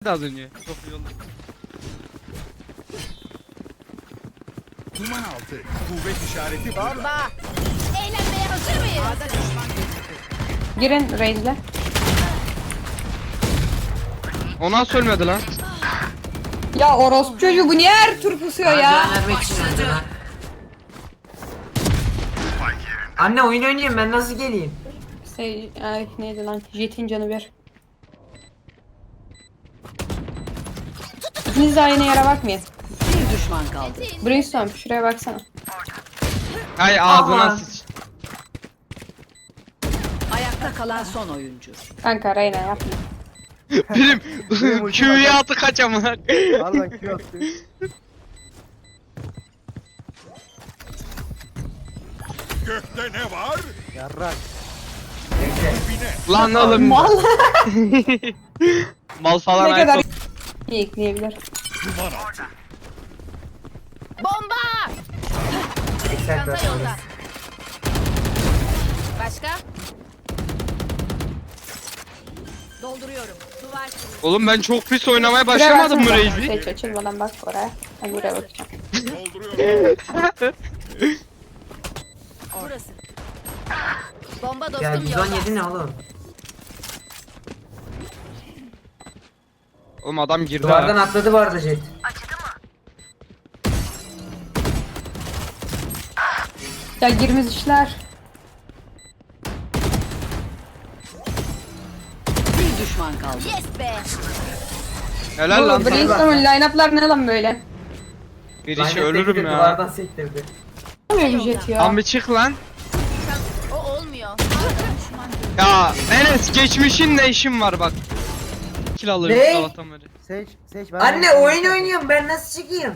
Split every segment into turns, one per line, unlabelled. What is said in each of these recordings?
Az önce. Çok iyi oldu.
Duman altı. Kuvvet işareti
Bomba. Eğlenmeye hazır mıyız?
Girin Raze'le.
O nasıl ölmedi lan?
Ya orospu çocuğu bu niye her tur pusuyor ya?
Vermek için öldü lan. Anne oyun oynayayım ben nasıl geleyim?
Ay neydi lan? Jet'in canı bir. İkiniz de aynı yere bakmayın.
Bir düşman kaldı.
Brimstone şuraya baksana.
Hay ağzına
Aman.
sıç.
Ayakta kalan son oyuncu.
Kanka Reyna yapma.
Benim Q'ya atı kaçamam.
Pardon Q attı.
gökte ne var?
Yarrak.
Bekle.
Lan oğlum.
Mal.
Mal falan
Ne kadar
ayıp.
iyi ekleyebilir.
Duman altı.
Bomba.
Excel
Çanta
versiyonu.
yolda. Başka? Dolduruyorum. Duvar kırıyor.
Oğlum ben çok pis oynamaya
Şuraya
başlamadım mı
baksana.
Reis'i?
Seç açılmadan bak oraya. Ben buraya bakacağım.
Dolduruyorum.
Burası. Bomba dostum
Ya
yolda.
117 ne oğlum?
Oğlum adam girdi
Duvardan
ha.
atladı bu arada jet.
Ya girmez işler.
Bir düşman kaldı.
Yes be.
Helal lan
Bu
sana.
Brimstone'un line-up'lar ne lan böyle?
Bir
Lanet
işi ölürüm
tekti,
ya.
Duvardan sektirdi.
Olmuyor bir jet ya.
Lan bir çık lan.
O olmuyor.
Ya Enes geçmişin ne işin var bak. Kill alırım
Ne?
sabahtan beri.
Seç ben.
Anne oyun oynuyorum ben nasıl çıkayım?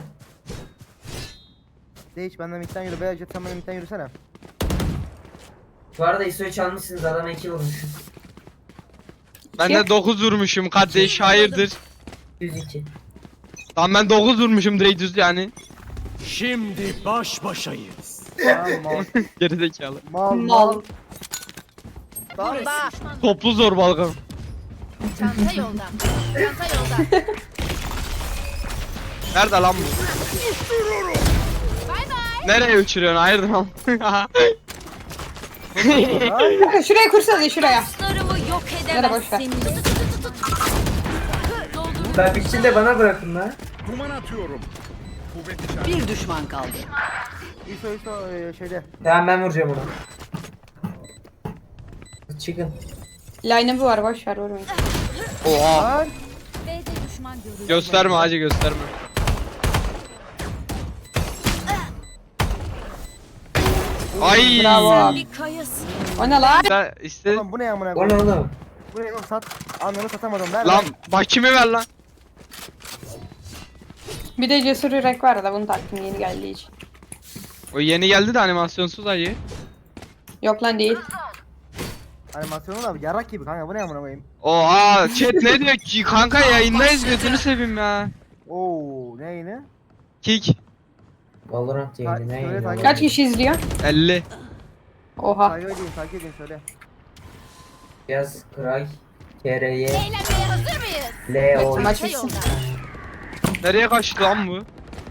Seç benden midden yürü. Beyaz jet sen benden midden yürüsene.
Bu arada ISO'yu çalmışsınız adama 2 vurmuşum.
Ben de 9 vurmuşum kardeş hayırdır.
102.
Lan ben 9 vurmuşum direkt düz yani.
Şimdi baş başayız.
Tamam mal.
Gerizekalı.
Mal
Mal.
mal.
Bomba.
Toplu zorbalık.
Çanta yolda. Çanta yolda.
Nerede lan bu?
Bay bay.
Nereye uçuruyorsun hayırdır lan?
Kanka şuraya kursanız şuraya.
Dostlarımı yok
Yara boş ver.
edemezsin. Dolduruyorum.
Ben bitsin de bana bırakın lan.
Duman atıyorum. Kuvvet işareti.
Bir düşman kaldı.
İso şeyde.
Tamam ben vuracağım onu. Çıkın.
Line-up'ı var boş ver vurmayın.
Oha.
Lan.
B'de düşman görüldü.
Gösterme hacı gösterme. Ay.
Bravo.
Bir kayasın.
O ne lan?
Sen iste.
Oğlum bu ne amına
O ne
koyayım?
oğlum?
Bu ne oğlum sat. Ananı satamadım. Ver
Lan bakimi ver lan.
Bir de cesur yürek var da bunu taktım yeni geldiği için.
O yeni geldi de animasyonsuz hacı.
Yok lan değil.
Animasyonu da yarrak gibi kanka bu ne amına koyayım?
Oha chat ne diyor ki kanka yayındayız gözünü seveyim ya.
Oo ne yine?
Kick
Valorant yayını ne
Söyle,
yayını?
takip
Kaç kişi izliyor?
50.
Oha.
Takip edin söyle.
Yaz Kray KRY
Eğlenmeye hazır mıyız?
LO.
Maç
Çanta
bitsin.
yolda.
Nereye kaçtı lan bu?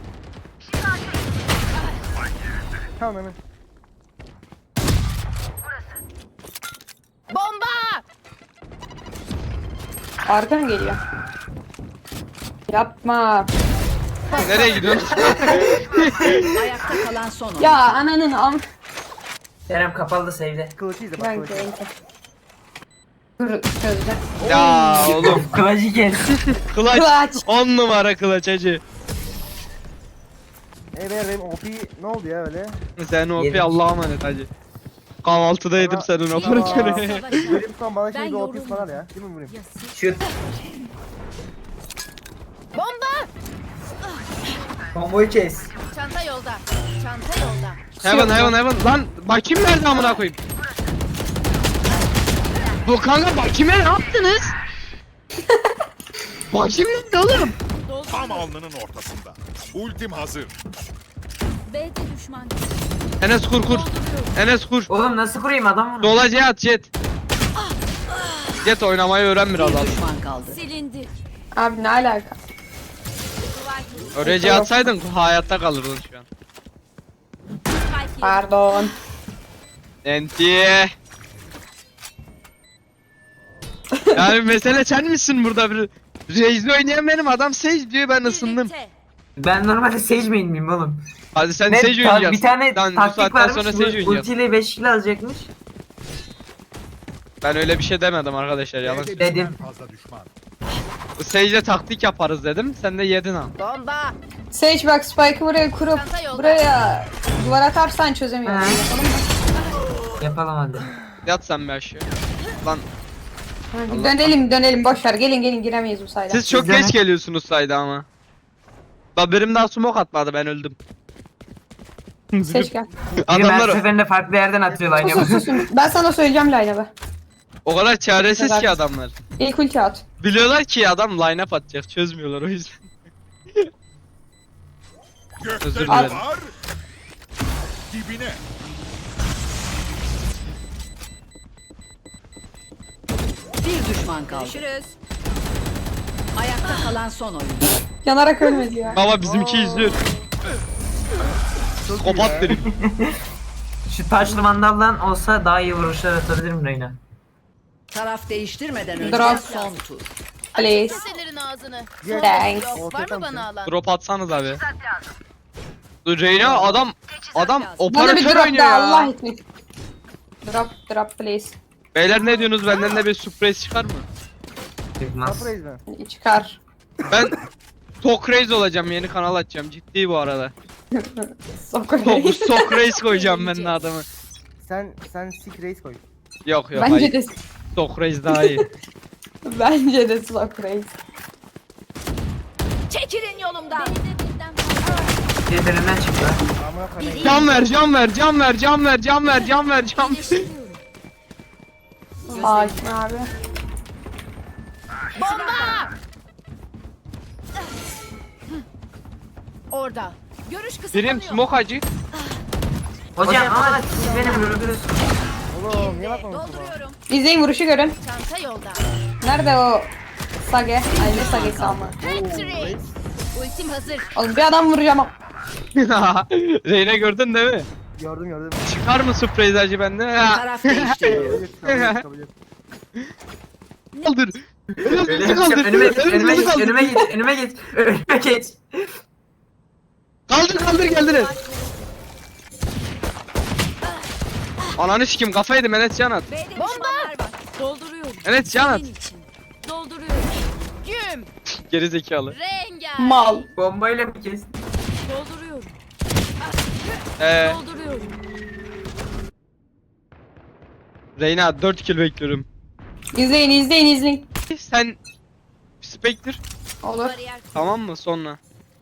Tamam hemen.
Bomba.
Arkan geliyor. Yapma.
Nereye gidiyorsun?
Ayakta kalan son oyuncu.
Ya ananın am.
Kerem kapalı da save'de.
Kılıcı izle bak
Ben
kılıcı.
de Dur çözdüm.
Ya oğlum
Kılıcı gelsin.
kılaç
Kılaç.
10 numara kılaç hacı.
Benim OP ne oldu ya öyle?
Sen o
Yedik.
Allah'a emanet hacı. Kahvaltıda yedim senin
Aa.
operatörü.
Bölüm son bana
Ben
şimdi OP
yoruldum.
falan ya. Değil mi vurayım?
Şut.
Bomba.
Komboyu kes.
Çanta yolda. Çanta yolda.
Heaven. Lan bakayım nerede amına koyayım. Bu kanka bakime ne yaptınız? Bakayım nerede oğlum?
Tam alnının ortasında. Ultim hazır.
B'de düşman.
Enes kur. Enes kur.
Oğlum nasıl kurayım adam bunu?
Dolacıya at jet. Jet oynamayı öğren biraz
Bir
az.
düşman kaldı.
Silindi.
Abi ne alaka?
Oraya atsaydın hayatta kalırdın şu an.
Pardon.
Enti. Yani mesele sen misin burada bir Raze'de oynayan benim adam Sage diyor ben ısındım.
Ben normalde Sage main miyim oğlum?
Hadi sen
Ne,
Sage oynayacaksın.
bir tane
Lan bu
taktik
saatten
varmış.
sonra Sage oynayacaksın.
Ultiyle 5 kill alacakmış.
Ben öyle bir şey demedim arkadaşlar yalan.
B'de
Dedim.
birden fazla düşman.
Sage'le taktik yaparız dedim. Sen de yedin ha.
Bomba.
Sage bak Spike'ı buraya kurup
Çanta yolda.
buraya duvar atarsan çözemiyorum.
He.
Yapalım mı?
Yapalım hadi.
Yat sen bir aşağı. Lan
Hadi dönelim boşver. Gelin giremeyiz bu sayda.
siz çok
Bizden
geç
ne?
geliyorsunuz sayda ama. Bak benim daha smoke atmadı ben öldüm.
Sage gel.
Biri her
Adamlar
seferinde farklı yerden atıyor line
Susun susun. Ben sana söyleyeceğim line-up'ı.
o kadar çaresiz ki
Güzel.
adamlar.
İlk ulti at.
Biliyorlar ki adam line up atacak çözmüyorlar o yüzden.
Gökte
Özür
ne
dilerim.
var? Dibine.
Bir düşman kaldı.
Görüşürüz.
Ayakta kalan son oyuncu.
Yanarak ölmedi ya.
Baba bizimki izliyor. Kopat derim.
Şu taşlı mandaldan olsa daha iyi vuruşlar atabilirim Reyna.
Taraf değiştirmeden önce
Drop.
son tur.
Please.
Keselerin ağzını.
Thanks.
Yok, var mı bana alan?
Drop atsanız abi. Dur Reyna adam
Bana bir
operatör
drop
oynuyor
da Allah
ya.
için. Drop please.
Beyler ne diyorsunuz benden de bir sürpriz çıkar mı?
Çıkmaz.
Surprise mi?
Çıkar.
Ben Tok Raze olacağım yeni kanal açacağım ciddi bu arada.
Sokarayım.
Tok Raze koyacağım ben de adamı.
Sen sick race koy.
Yok yok
Bence
hayır.
de
Tok Raze daha iyi.
bence de Sokrates.
Çekilin yolumdan.
Birbirinden çıktı.
Amına koyayım.
Can ver can ver can ver can ver can ver can ver can ver.
Hakim abi.
Bomba! Orada. Görüş kısıtlanıyor.
Birim smoke acı.
Hocam ama siz beni vurdunuz.
Oğlum niye bakmıyorsun bana?
Dolduruyorum.
İzleyin vuruşu görün.
Çanta yolda.
Nerede o Sage? Ay ne Sage'si ama.
Patrick. Ultim hazır.
Oğlum bir adam vuracağım.
Reyna gördün değil mi?
Gördüm.
Çıkar mı sürpriz acı bende? Ha,
Taraf değiştiriliyor.
Kabul et.
Kaldır.
Öyle
Kaldır.
önüme git,
Kaldır.
önüme git, önüme git, önüme geç.
Kaldır geldiler. Ananı sikim kafa yedim Enes can at.
B'de düşmanlar var. Dolduruyorum.
Enes can at.
Dolduruyorum. Güm.
Geri zekalı.
Rengar.
Mal.
Bombayla mı kestin?
Dolduruyorum. Dolduruyorum.
Reyna 4 kill bekliyorum.
İzleyin.
Sen Spectre
Olur.
Bariyer.
tamam mı sonra?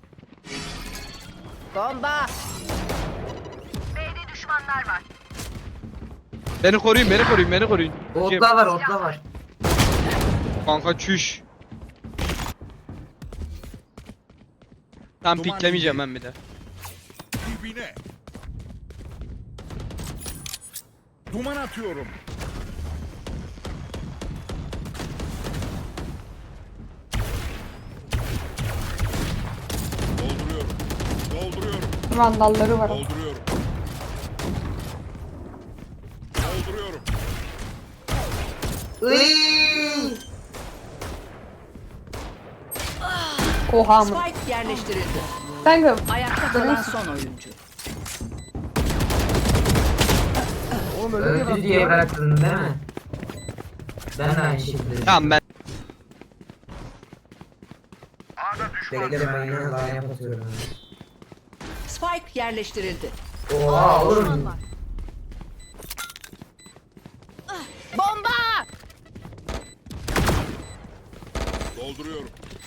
Bomba.
Beni koruyun.
Otla var.
Kanka çüş. Tam
Duman
piklemeyeceğim
indi.
ben bir de.
Dibine. Duman atıyorum. Dolduruyorum.
Vandalları var.
Dolduruyorum.
Oha mı?
Spike yerleştirildi.
Kanka
Ayakta kalan son oyuncu.
Oğlum öyle diye
Öldü
bak.
diye bıraktın değil mi? Ben de aynı şekilde.
Tamam ben.
Bekle ben yine daha yapıyorum.
Spike yerleştirildi.
Oha oğlum.
Bomba.
Dolduruyorum.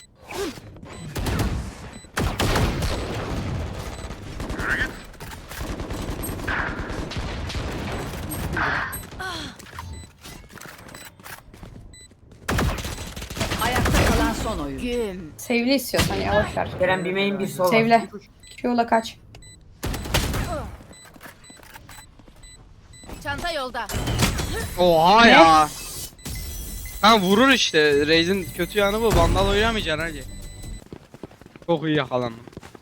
Ayakta kalan son oyuncu.
Güm.
sevli istiyorsan ya boşver.
Kerem bir main bir sol.
Sevle. Yola kaç.
Çanta yolda.
Oha
Ne?
ya. Ha vurur işte. Raze'in kötü yanı bu. Vandal oynamayacaksın hacı. Çok iyi yakalandım.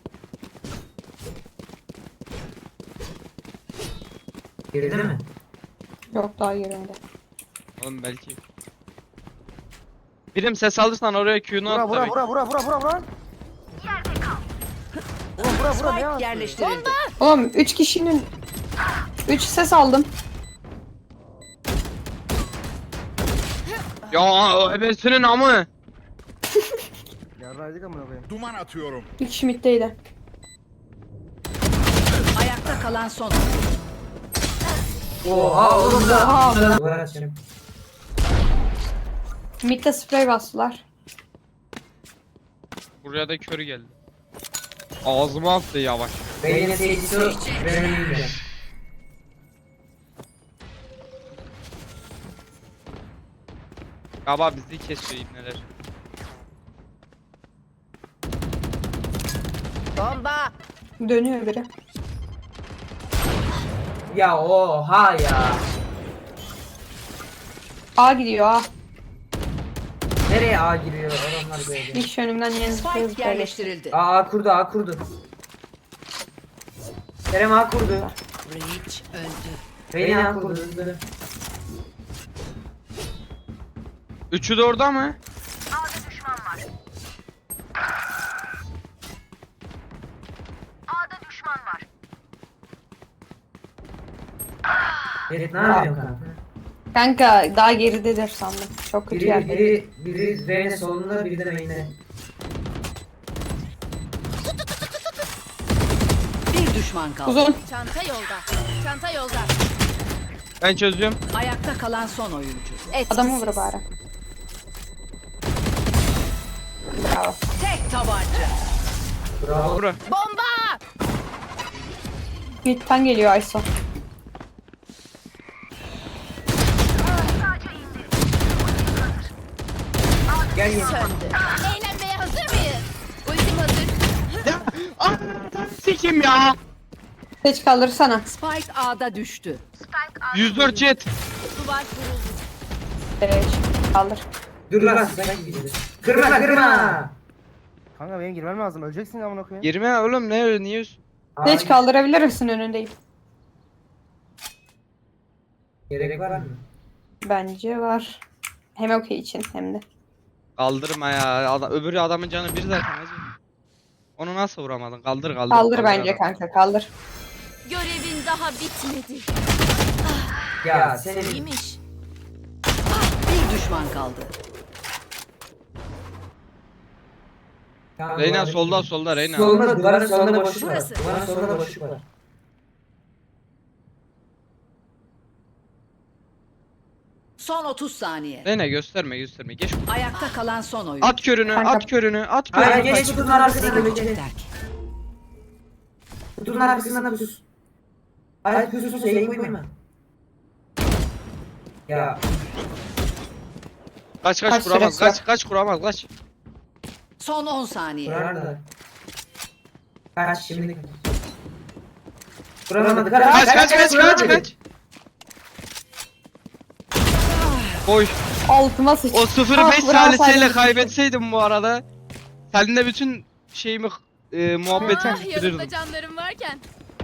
Girdi mi?
Yok daha yerinde.
Oğlum belki. Birim ses alırsan oraya Q'nu
Bura
at
bura
tabii.
bura bura bura bura bura. Oğlum bura bura ne
Spike
yaptın?
yerleştirildi.
Oğlum 3 kişinin 3 ses aldım.
Ya o ebesinin amı.
Yarraydık amına koyayım.
Duman atıyorum.
Bir kişi middeydi.
Ayakta kalan son oyuncu.
Oha oğlum da.
Oha.
Duvar açacağım.
Midde sprey bastılar.
Buraya da körü geldi. Ağzıma attı yavaş.
Beynin seyircisi o. Ben yiyeceğim.
Galiba bizi kesiyor ibneler.
Bomba.
Dönüyor biri.
Ya oha ya.
A gidiyor A.
Nereye A giriyor adamlar böyle?
Bir kişi önümden yeni
Spike yerleştirildi.
A kurdu A kurdu. Kerem A kurdu.
Breach öldü.
Reyna A kurdu. Hızlı.
Üçü de orada mı?
Ferit ne yapıyorsun kanka?
Kanka daha geridedir sandım. Çok kötü yerde.
Biri Reyna solunda biri de main'de.
Bir düşman kaldı.
Uzun.
Çanta yolda. Çanta yolda.
Ben çözüyorum.
Ayakta kalan son oyuncu.
Adamı vur bari. Bravo.
Tek tabanca.
Bravo.
Bura.
Bomba.
Mid'den geliyor Ayso.
Gel gel.
Söndü. Eğlenmeye hazır mıyız? Ultim hazır.
Ya ah, sikim ya.
Seç kaldırsana.
Spike A'da düştü.
104 jet.
Duvar kuruldu.
Seç. Kaldır.
Dur lan sen gidiyorsun. Kırma kırma.
Kanka benim girmem lazım. Öleceksin amına koyayım.
Girme oğlum ne öyle niye üst?
Seç kaldırabilir misin önündeyim?
Gerek var mı?
Bence var. Hem okey için hem de.
Kaldırma ya. Öbürü adamın canı bir zaten hacı. Onu nasıl vuramadın? Kaldır kaldır.
Kaldır bence
adam.
kanka kaldır.
Görevin daha bitmedi.
Ya senin
İyiymiş.
Bir düşman kaldı.
Reyna solda Reyna.
Solunda duvarın solunda boşluk var.
Burası.
Duvarın solunda boşluk var.
Son 30 saniye.
Reyna gösterme. Geç.
Ayakta kalan son oyuncu.
At körünü. At
Hayır
körünü.
geç kutunun arkasına
Ne
geç.
görecekler ki?
Kutunun arkasına pus. Hayır pus yayın koyma. Ya
Kaç
Kaç
kuramaz.
süresi var?
Kaç kuramaz. Kaç.
Son 10 saniye.
kurar da. Kaç şimdi. Kuramadı.
Kaç. Oy.
Altıma sıç.
O 0-5
bravo,
salisiyle
Salih.
kaybetseydim bu arada. Seninle bütün şeyimi muhabbetimi
Ah, yanımda
bitirirdim.
canlarım varken.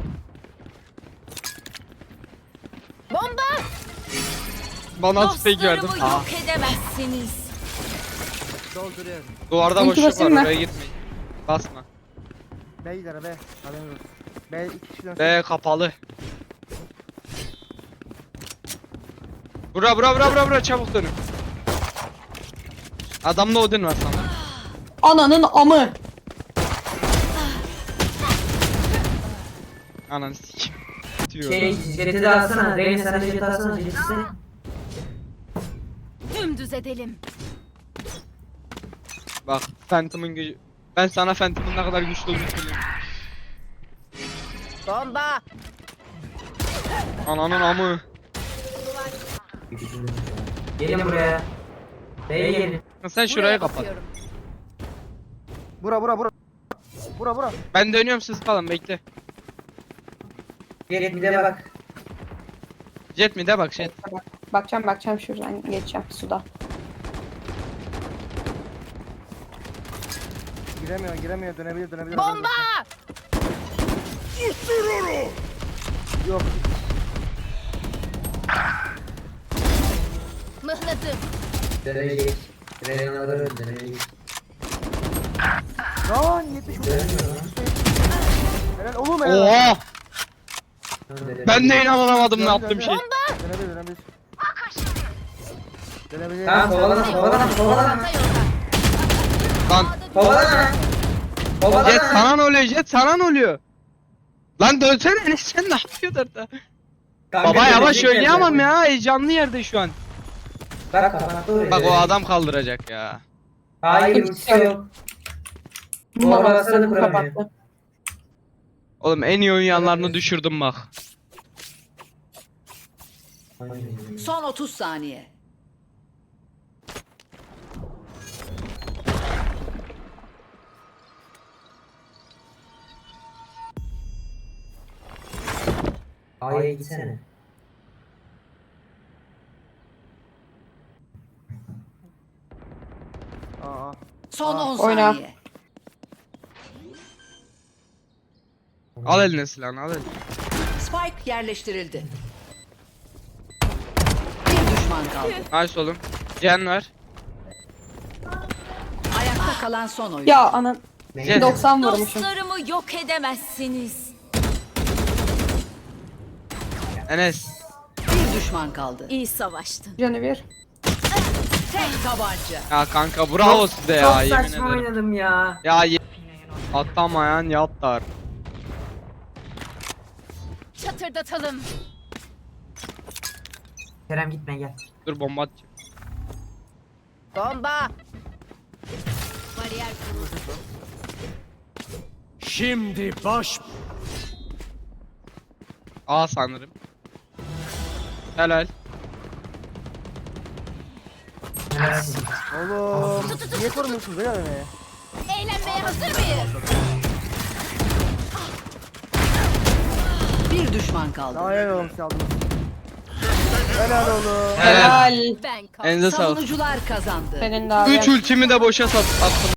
Bomba.
Bana spek verdin.
Dostlarımı yok edemezsiniz.
Dolduruyorum.
Duvarda
İlk
boşluk var
basayım mı?
oraya gitmeyin. Basma.
B gider B. Haberiniz olsun. B 2 kişiden
Be kapalı. Bura çabuk dönün. Adamda Odin var sana.
Ananın amı.
Ananı sikim. Bitiyor.
Jeti de alsana. Reyna sen de jeti alsana. Jeti sen.
Dümdüz edelim.
Bak Phantom'un gücü. Ben sana Phantom'un ne kadar güçlü olduğunu söyleyeyim.
Bomba.
Ananın amı.
Gelin buraya. B'ye gelin.
Sen şuraya
Buraya
kapat.
bakıyorum.
Bura.
Ben dönüyorum siz kalın bekle.
Gel bir de bak.
Jet mi de bak jet.
Bakacağım şuradan geçeceğim suda.
Giremiyor dönebilir.
Bomba!
Yok.
Mıhladım.
Deneyecek. Reynaları deneyecek.
Lan 70 Helal oğlum helal.
Oha! Ben de inanamadım ne yaptığım şey.
Dönebilir. Dönebilir.
Tamam kovalama.
Çanta yolda.
Lan
Kovalama.
Jet sana ne oluyor Jet sana ne oluyor? Lan dönsene Enes sen ne yapıyorsun orada? Baba yavaş oynayamam ya heyecanlı yerde şu an.
Bak kapattı orayı.
Bak o adam kaldıracak ya.
Hayır ultisi yok. Bu arabasını kuramıyor.
Kapattı.
Oğlum en iyi oynayanlarını düşürdüm bak.
Son 30 saniye.
A'ya gitsene.
Aa.
Son 10
Oyna.
saniye.
Al eline silahını al eline.
Spike yerleştirildi. Bir düşman kaldı.
Nice oğlum. Cen ver.
Ayakta kalan son oyun.
Ya anan
Jet.
90 vurmuşum.
Dostlarımı yok edemezsiniz.
Enes.
Bir düşman kaldı.
İyi savaştın.
Canı bir.
Tek tabanca.
Ya kanka bravo size ya
Çok
yemin
saçma
ederim.
oynadım ya.
Ya atlamayan yatlar.
Çatırdatalım.
Kerem gitme gel.
Dur bomba atacağım.
Bomba. Bariyer kuruldu.
Şimdi baş
A sanırım. Helal.
Oğlum. Niye korumuyorsunuz helal beni?
Eğlenmeye hazır mıyız?
Bir düşman kaldı.
Daha helal oğlum siz aldınız. Helal oğlum.
Helal.
Helal.
Ben kaldım.
Elinize sağlık.
Savunucular kazandı.
Senin de abi.
3 ultimi de boşa attım.